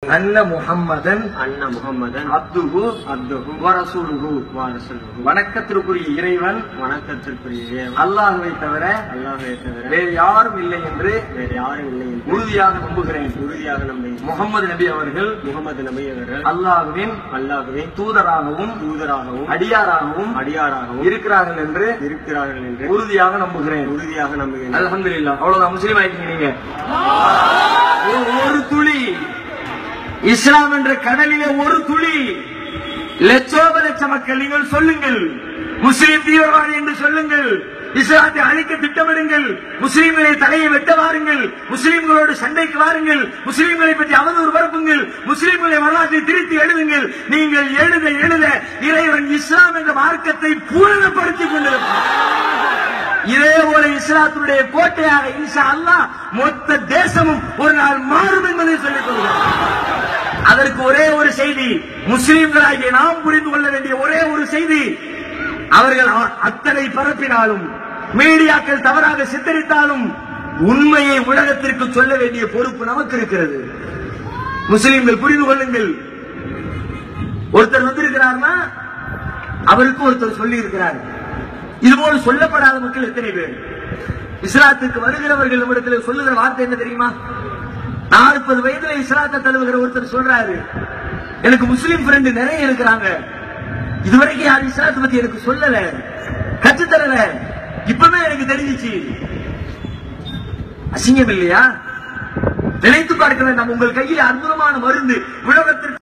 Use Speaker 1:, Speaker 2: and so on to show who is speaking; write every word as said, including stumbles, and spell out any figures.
Speaker 1: அன்ன முஹம்மதன்
Speaker 2: அன்ன முஹம்மதன்
Speaker 1: அப்துஹு
Speaker 2: அப்துஹு
Speaker 1: வ ரசூலுஹு
Speaker 2: வ ரசூலுஹு.
Speaker 1: வணக்கத்திற்குரிய இறைவன்
Speaker 2: வணக்கத்திற்குரிய இறைவன்
Speaker 1: அல்லாஹ்வை தவிர
Speaker 2: அல்லாஹ்வை தவிர
Speaker 1: வேறு யாரும் இல்லை என்று
Speaker 2: வேறு யாரும் இல்லை என்று
Speaker 1: உறுதியாக நம்புகிறேன்.
Speaker 2: உறுதியாக நம்புகிறேன்.
Speaker 1: முகமது நபி அவர்கள்
Speaker 2: முகமது நபி அவர்கள்
Speaker 1: அல்லாஹ்வின்
Speaker 2: அல்லாஹ்வின்
Speaker 1: தூதராகவும்
Speaker 2: தூதராகவும்
Speaker 1: அடியாராகவும்
Speaker 2: அடியாராகவும்
Speaker 1: இருக்கிறார்கள் என்று
Speaker 2: இருக்கிறார்கள் என்று
Speaker 1: உறுதியாக நம்புகிறேன்.
Speaker 2: உறுதியாக நம்புகிறேன்.
Speaker 1: அல்ஹம்துலில்லாஹ். அவ்வளவுதான், முஸ்லீம் ஆயிட்டீங்க நீங்க. ஒரு துளி இஸ்லாம் என்ற கடலிலே ஒரு துளி லட்சோப லட்ச மக்கள் நீங்கள் சொல்லுங்கள், முஸ்லீம் தீவிரவாதி என்று சொல்லுங்கள், இஸ்லாத்தை அழிக்க திட்டமிடுங்கள், முஸ்லீம்களை தலையை வெட்ட வாருங்கள், முஸ்லீம்களோடு சண்டைக்கு வாருங்கள், முஸ்லீம்களை பற்றி அவதூறு பரப்புங்கள், முஸ்லீம்களை வரலாற்றை திருத்தி எழுதுங்கள். நீங்கள் எழுத எழுத இறைவன் இஸ்லாம் என்ற மார்க்கத்தை பூரணப்படுத்திக் கொண்டிருப்பார். இதே போல இஸ்லாத்துடைய கோட்டையாக இன்ஷா அல்லாஹ் மொத்த தேசமும் ஒரு நாள் மாறும் என்பதை சொல்லிக் கொள்கிறார். அதற்கு ஒரே ஒரு செய்தி, முஸ்லீம்களாகிய நாம் புரிந்து கொள்ள வேண்டிய ஒரே ஒரு செய்தி, அவர்கள் அத்தனை பரப்பினாலும் மீடியாக்கள் தவறாக சித்தரித்தாலும் உண்மையை உலகத்திற்கு சொல்ல வேண்டிய பொறுப்பு நமக்கு இருக்கிறது. முஸ்லீம்கள் புரிந்து கொள்ளுங்கள். ஒருத்தர் வந்திருக்கிறார்னா அவருக்கு ஒருத்தர் சொல்லி இருக்கிறார். இதுபோல் சொல்லப்படாத மக்கள் எத்தனை பேர்? இஸ்லாத்துக்கு வருகிறவர்கள் நம்மிடத்தில் சொல்லுகிற வார்த்தை என்ன தெரியுமா? நாற்பது வயதுல இஸ்லாத்தை தழுவுகிற ஒருத்தர் சொல்றாரு, எனக்கு முஸ்லீம் ஃப்ரெண்டு நிறைய இருக்கிறாங்க, இதுவரைக்கும் யாரும் இஸ்லாத்தை பத்தி எனக்கு சொல்லல, கற்றுத்தரல, இப்பவே எனக்கு தெரிஞ்சிச்சு. அசிங்கம் இல்லையா? நினைத்து பார்க்க வேண்டாம். உங்கள் கையில் அற்புதமான மருந்து உலகத்திற்கு